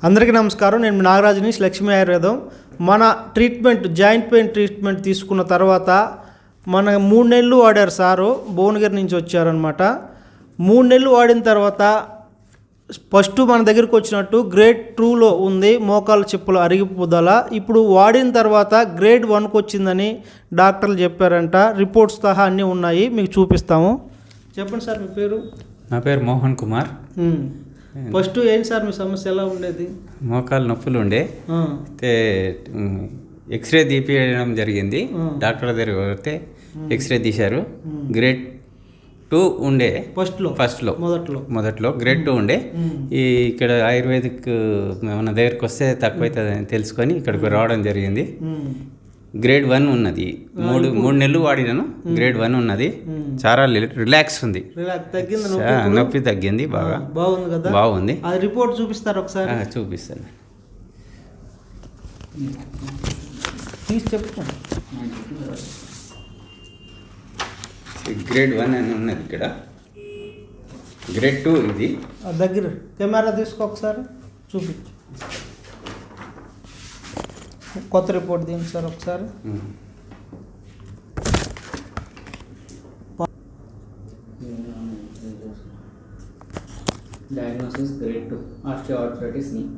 అందరికీ నమస్కారం. నేను నాగరాజుని లక్ష్మీ ఆయుర్వేదం. మన ట్రీట్మెంట్ జాయింట్ పెయిన్ ట్రీట్మెంట్ తీసుకున్న తర్వాత మన 3 నెలలు వాడారు సారు. భువనగిరి నుంచి వచ్చారనమాట. 3 నెలలు వాడిన తర్వాత ఫస్ట్ మన దగ్గరికి వచ్చినట్టు గ్రేడ్ 2లో ఉంది, మోకాళ్ళ చెప్పులు అరిగిపోదల. ఇప్పుడు వాడిన తర్వాత గ్రేడ్ 1కి వచ్చిందని డాక్టర్లు చెప్పారంట. రిపోర్ట్స్ సహా అన్నీ ఉన్నాయి, మీకు చూపిస్తాము. చెప్పండి సార్, మీ పేరు? నా పేరు మోహన్ కుమార్. ఫస్ట్ ఏంటి సార్ మీ సమస్య, ఎలా ఉండేది? మోకాలు నొప్పులు ఉండే, అయితే ఎక్స్రే తీపియడం జరిగింది. డాక్టర్ దగ్గర పోతే ఎక్స్రే తీశారు. గ్రేడ్ 2 ఉండే ఫస్ట్లో మొదట్లో గ్రేడ్ 2 ఉండే. ఇక్కడ ఆయుర్వేదిక్ మన దగ్గరికి వస్తే తక్కువ అవుతుందని తెలుసుకొని ఇక్కడికి రావడం జరిగింది. గ్రేడ్ 1 ఉన్నది. మూడు నెలలు వాడినాను. గ్రేడ్ 1 ఉన్నది. చాలా రిలాక్స్ ఉంది, నొప్పి తగ్గింది, బాగా బాగుంది కదా. బాగుంది. అది రిపోర్ట్ చూపిస్తారు ఒకసారి? చూపిస్తాను. గ్రేడ్ 1 అని ఉన్నది ఇక్కడ. గ్రేడ్ 2 ఇది. దగ్గర కెమెరా తీసుకో ఒకసారి చూపించు. కొత్త రిపోర్ట్ దీనికి సార్ ఒకసారి. Diagnosis grade 2 osteoarthritis knee.